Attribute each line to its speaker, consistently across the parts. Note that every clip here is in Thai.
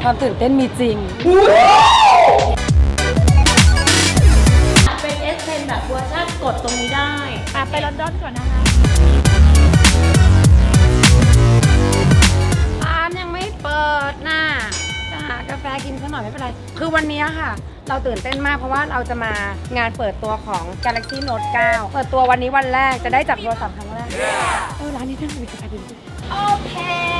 Speaker 1: ความตื่นเต้นมีจริง
Speaker 2: เป็น S Pen แบบเวอร์ชันกดตรงนี้ได้ไปลอนดอนก่อนนะคะ
Speaker 1: ร้านยังไม่เปิดน่ะจะหากาแฟกินสักหน่อยไม่เป็นไรคือวันนี้ค่ะเราตื่นเต้นมากเพราะว่าเราจะมางานเปิดตัวของ Galaxy Note 9 เปิดตัววันนี้วันแรกจะได้จับโทรศัพท์ครั้งแรกร้านนี้น่าจะมีกาแฟดื่ม
Speaker 2: โอเค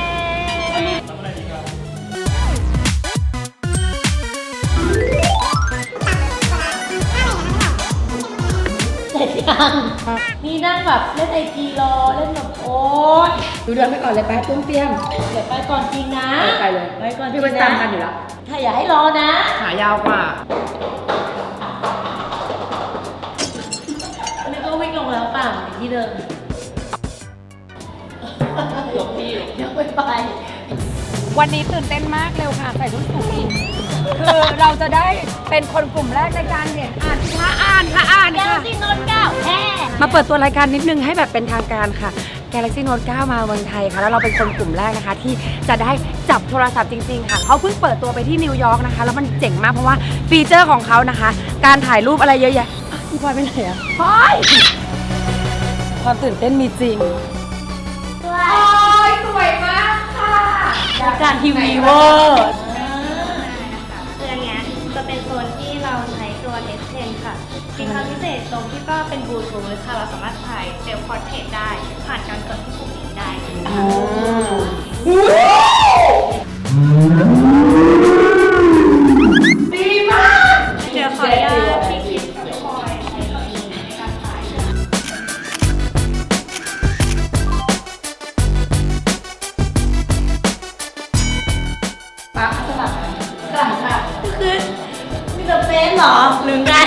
Speaker 2: เสร็จยังนี่นั่งแบบเล่นIGรอเล่นแบบโอ๊ย
Speaker 1: ดูเดินไปก่อนเลยไปตุ้มเตี้ยม
Speaker 2: เดี๋ยวไปก่อนจริงนะ
Speaker 1: ไปเลย
Speaker 2: ไปก่อน
Speaker 1: พี่ไปตามกันอยู่แล้ว
Speaker 2: ถ้าอย่าให้รอนะ
Speaker 1: ขายาวกว่า
Speaker 2: แล้วก็วิ่งลงแล้วเปล่าที่เดิมยกพี่ยกไป
Speaker 1: วันนี้ตื่นเต้นมากเร็วค่ะใส่ชุดสูทคือเราจะได้เป็นคนกลุ่มแรกในการเห็นอ่านค่ะ
Speaker 2: Galaxy Note 9แฮ่
Speaker 1: มาเปิดตัวรายการนิดนึงให้แบบเป็นทางการค่ะ Galaxy Note 9 มาเมืองไทยค่ะแล้วเราเป็นคนกลุ่มแรกนะคะที่จะได้จับโทรศัพท์จริงๆค่ะเขาเพิ่งเปิดตัวไปที่นิวยอร์กนะคะแล้วมันเจ๋งมากเพราะว่าฟีเจอร์ของเขานะคะการถ่ายรูปอะไรเยอะแยะพี่พลอยไปไหนอะพลอยความตื่นเต้นมีจริง
Speaker 2: สวยมากค่ะการทีวีเวอร์
Speaker 3: คืออันเนี้ยจะเป็นโซนที่เราใช้ตัว S Pen ค่ะมีความพิเศษตรงที่ก็เป็นบลูทูธค่ะเราสามารถถ่ายเซลฟ์พอร์เทรตได้ผ่านการกดที่ปุ่มนี้ได้
Speaker 2: ดีมาก
Speaker 3: เดี๋ยวขออนุญาตพี่คิดคอยใช้ตัวนี้ในการถ่าย
Speaker 1: ปั๊บสลับ
Speaker 2: ค่ะคือมีแต่เฟซเหรอหรือไง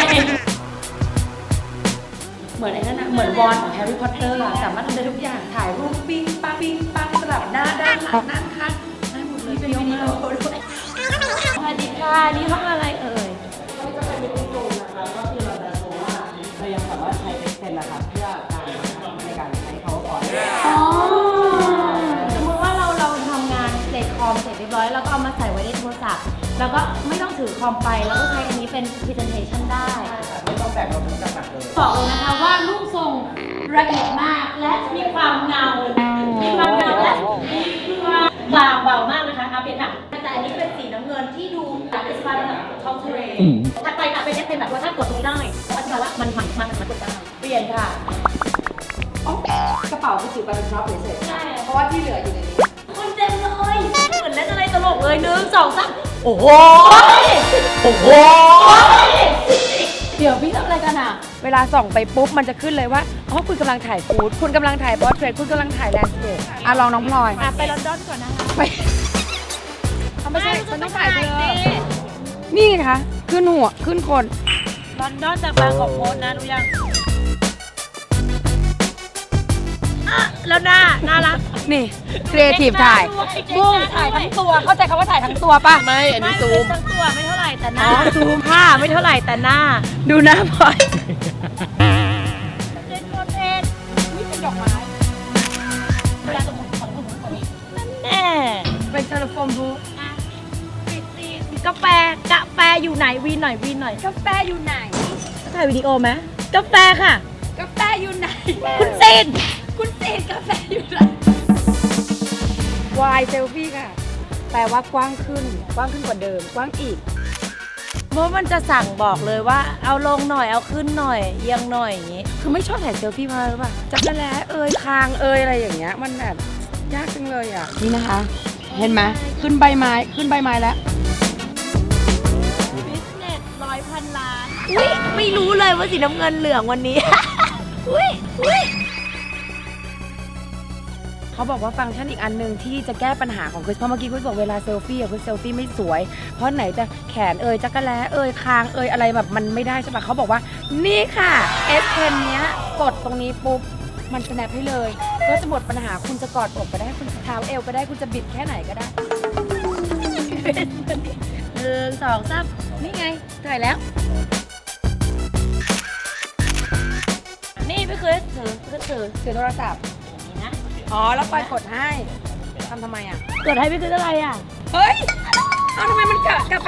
Speaker 1: เหมือนไอ้นั่นนะเหมือนวอนของแฮร์รี่พอตเตอร์อะสามารถทำได้ทุกอย่างถ่ายรูปปิ้งปังสลับหน้าด้านหลังด้านข้างได้หมดเลยเป็นวิดีโอด้วย
Speaker 2: สวัสดีค่ะนี่ห้องอะไรเอ่ย
Speaker 1: ก็จะเป็นมิติโกนนะคะก็คือเราจะโชว์ว่าเรายังสามารถใช้ S Pen นะคะเพื่อการในการใช้ PowerPoint
Speaker 2: สมมติว่าเราทำงานเสร็จคอมเสร็จเรียบร้อยแล้วก็เอามาใส่ไว้ในโทรศัพท์แล้วก็ไม่ต้องถือคอมไปแล้วก็ใช้อันนี้เป็น presentation ได้
Speaker 1: ไม่ต้องแบกเราทั้งกระสับเลย
Speaker 2: บอกเลยนะคะว่ารูปทรงละเอียดมากและมีความเงาและมีความเบามากนะคะเปลี่ยนค่ะแต่อันนี้เป็นสีน้ำเงินที่ดูแบบเป็นสไตล์แบบท้องทะเลถัดไปค่ะเป็นเป็นแบบว่าถ้ากดตรงนี้ได้อธิบายว่ามันกดได้เปลี่ยนค่ะ
Speaker 1: กระเป๋าคือจิ๋วไปเป็นพร็อพเฉย
Speaker 2: ใช่
Speaker 1: ๆเพราะว่าที่เหลืออยู่ในนี้
Speaker 2: คนเต็มเลยเหมือนเล่นอะไรตลกเลย1 2 3โอ้โหเดี๋ยวพี่ทำอะไรกันอ่ะ
Speaker 1: เวลาส่องไปปุ๊บมันจะขึ้นเลยว่าอ๋อคุณกำลังถ่ายฟู้ดคุณกำลังถ่ายพอร์เทรตคุณกำลังถ่ายแลนด์สเคปลองน้องพลอย
Speaker 2: ไปลอนดอนก่อนนะคะ
Speaker 1: ไปไม่ใช่ฉันต้องถ่ายเธอนี่ไงคะขึ้นหัวขึ้นคน
Speaker 2: ลอนดอนจากบางกอกโพสนะรู้ยังแล้วน่ารัก
Speaker 1: นี่ครีเอทีฟถ่ายบุ้งถ่ายทั้งตัวเข้าใจคำว่าถ่ายทั้งตัวป่ะ
Speaker 2: ไม่อันนี้ซูมทั้งตัวไม่เท่าไหร่แต่หน้าซูมผ้าไม่เท่าไหร่แต่หน้า
Speaker 1: ดูหน้าพลอย
Speaker 2: เป็นโมเดลนี่เป็นดอกไม้แน่
Speaker 1: เป็นเทเลโฟนบูธ
Speaker 2: กาแฟอยู่ไหนวีนหน่อย
Speaker 1: กาแฟอยู่ไหน
Speaker 2: ถ่ายวิดีโอไหมกาแฟค่ะ
Speaker 1: กาแฟอยู่ไหน
Speaker 2: คุณเซนกาแฟอยู่ไหน
Speaker 1: วายเซลฟี่ค่ะแปลว่ากว้างขึ้นกว้างขึ้นกว่าเดิมกว้างอีก
Speaker 2: เพราะมันจะสั่งบอกเลยว่าเอาลงหน่อยเอาขึ้นหน่อยเอียงหน่อยอย่างงี้
Speaker 1: คือไม่ชอบถ่ายเซลฟี่มาหรือเปล่าจับแล้คางอะไรอย่างเงี้ยมันแบบยากจังเลยอ่ะนี่นะคะเห็นไหมขึ้นใบไม้แล้ว
Speaker 2: บิสเนส100,000 ล้านอุ้ยไม่รู้เลยว่าสีน้ำเงินเหลืองวันนี้อุ้ย
Speaker 1: เขาบอกว่าฟังก์ชันอีกอันนึงที่จะแก้ปัญหาของคริสเพราะเมื่อกี้คริสบอกเวลาเซลฟี่คริสเซลฟี่ไม่สวยเพราะไหนจะแขนจักรแล้คางอะไรแบบมันไม่ได้ใช่ปะเขาบอกว่านี่ค่ะ S Pen เนี้ยกดตรงนี้ปุ๊บมัน snap ให้เลยก็จะหมดปัญหาคุณจะกอดอกก็ได้คุณจะเท้าเอวก็ได้คุณจะบิดแค่ไหนก็ได้
Speaker 2: 1 2 3
Speaker 1: นี่ไงถ่ายแล้ว
Speaker 2: นี่พี่คือถือ
Speaker 1: โทรศัพท์
Speaker 2: นี่นะ
Speaker 1: อ๋อแล้วปล่อยกดให้ทำไมอ่ะ
Speaker 2: กดให้พี่คืออะไรอ่ะ
Speaker 1: เฮ้ยเอาทำไม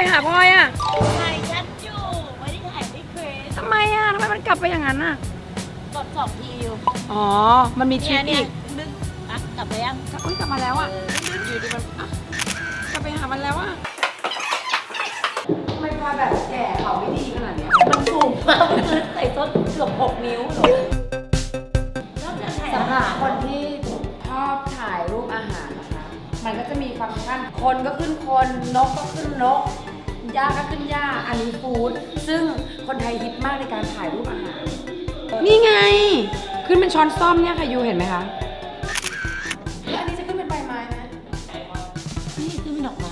Speaker 1: หาพลอยอะ
Speaker 2: ถ่ายฉันอยู่ไม่ได้ถ่ายพี่คริส
Speaker 1: ทำไมมันกลับไปอย่างนั้นอะ
Speaker 2: กด2 ทีอยู่
Speaker 1: อ๋อ มันมีทริคอีก
Speaker 2: ดึงอ่ะกลับไปยัง
Speaker 1: อุ้ยกลับมาแล้วอะอยู่ดีมันอ่ะกลับไปหามันแล้วอะทำไมพลอยแบบแก่เขาไม่ดีขนาดเนี้ย
Speaker 2: มันสูงมากคือใส่ส้นเกือบ6 นิ้วหนูแล้วจะถ่าย
Speaker 1: สำหรับคนที่ชอบถ่ายรูปอาหารนะคะ มันก็จะมีฟังก์ชันคนก็ขึ้นคน นกก็ขึ้นนก หญ้าก็ขึ้นหญ้า อันนี้ฟู้ด ซึ่งคนไทยฮิตมากในการถ่ายรูปอาหาร นี่ไง ขึ้นเป็นช้อนซ่อมเนี่ยค่ะยูเห็นไหมคะแล้วอันนี้จะขึ้นเป็นใบไม้ไหม
Speaker 2: นี่คือเป็นดอกไม้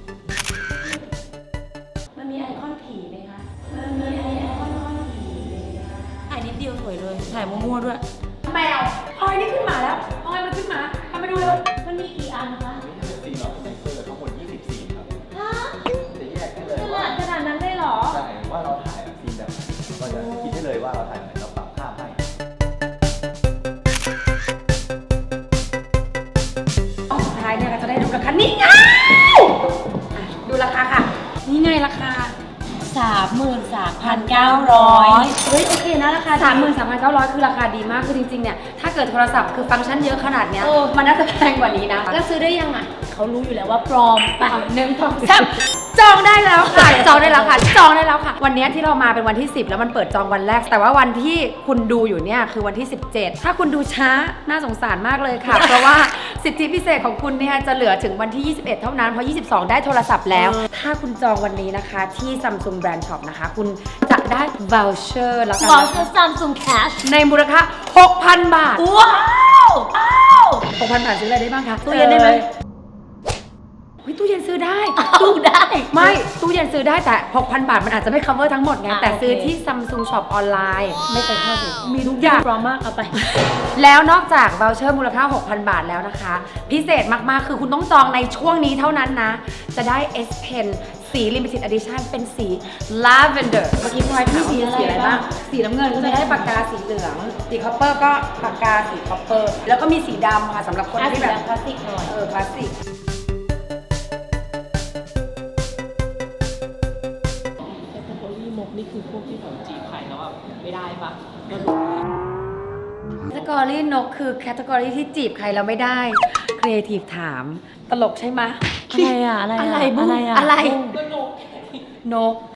Speaker 2: มันมีไอคอนผีไหมคะ มันมีไอคอนผีถ่ายนิดเดียวสวยเลย ถ่ายมั่วๆด้วย
Speaker 1: แมวพลอยนี่ขึ้นมาแล้วพลอยมันขึ้นมาทำไปดูเลย
Speaker 2: มันมีกี่อันคะ
Speaker 4: สีหลอดเซนเซอร์ทั้งหมด20สีครับ
Speaker 2: ฮะ
Speaker 4: จะแยกได้เลย
Speaker 2: ข
Speaker 4: ว่า
Speaker 2: นาดนั้นเลยเหรอ
Speaker 4: ใช่ว่าเราถ่ายแบบซีนแบบไหนเราจะคิดได้เลยว่าเราถ่ายแบบไหนเราปรับภาพให้
Speaker 1: สุดท้ายเนี่ยเราจะได้ดูราคา นี่ไงอ่ะดูราคาค่ะ นี่ไงราคา
Speaker 2: 33,900
Speaker 1: เฮ้ยโอเคนะราคา 33,900 คือราคาดีมากคือจริงๆเนี่ยถ้าเกิดโทรศัพท์คือฟังก์ชันเยอะขนาดเนี้ยมันน่าจะแพงกว่านี้นะ
Speaker 2: แล้วซื้อได้ยังอ่ะ เขารู้อยู่แล้วว่าปลอม
Speaker 1: ไป1 2 3จองได้แล้วค่ะ จองได้แล้วค่ะ จองได้แล้วค่ะ วันนี้ที่เรามาเป็นวันที่ 10 แล้วมันเปิดจองวันแรก แต่ว่าวันที่คุณดูอยู่เนี่ยคือวันที่ 17 ถ้าคุณดูช้าน่าสงสารมากเลยค่ะ เพราะว่าสิทธิพิเศษของคุณเนี่ยจะเหลือถึงวันที่ 21 เท่านั้นเพราะ 22 ได้โทรศัพท์แล้ว ถ้าคุณจองวันนี้นะคะที่ Samsung Brand Shop นะคะ คุณจะได้ voucher แล้วกัน
Speaker 2: วอล
Speaker 1: นะ
Speaker 2: เชอ
Speaker 1: คะ
Speaker 2: ร์ซัมซุงแคช
Speaker 1: ในมูลค่า 6,000 บาท
Speaker 2: ว้าวว้าว
Speaker 1: 6,000 บาทซื้ออะไรได้บ้างคะ
Speaker 2: ตู้เย็นได้ไหม
Speaker 1: เฮ้ยตู้เย็นซื้อได้
Speaker 2: ตู้ได้
Speaker 1: ไม่ตู้เย็นซื้อได้แต่ 6,000 บาทมันอาจจะไม่ cover ทั้งหมดไง
Speaker 2: อ่ะ
Speaker 1: แต่ซื้อ
Speaker 2: โอเค
Speaker 1: ที่ Samsung Shop ออนไลน์ไม่เคยเข้าสิมีทุกอย่าง
Speaker 2: ปลอมมากเอาไป
Speaker 1: แล้วนอกจาก voucher มูลค่า 6,000 บาทแล้วนะคะ พิเศษมากๆ คือคุณต้องจองในช่วงนี้เท่านั้นนะ จะได้ S Pen สี limited edition เป็นสี lavender เมื่อกี้พลอยถามว่ามีสีอะไรบ้าง สีน้ำเงินก็จะได้ปากกาสีเหลือง สีคอปเปอร์ก็ปากกาสีคอปเปอร์ แล้วก็มีสีดำค่ะสำหรับคนที่แบบ
Speaker 2: พลาสติกหน่อย
Speaker 1: พลาสติก
Speaker 5: แคตตาล็อกมกนี่คือพวกที่แบบจีบใครแล้วแบบไม่ได้ปะ
Speaker 1: แคตตากรีนกคือแคตตากรีที่จีบใครเราไม่ได้ครีเอทีฟถาม ตลกใช่ไหม
Speaker 2: อะไรอะอะไรอะ
Speaker 1: อะไรบุ้ง
Speaker 2: อะไรอะ
Speaker 1: อะไร
Speaker 5: ก็นก
Speaker 1: นก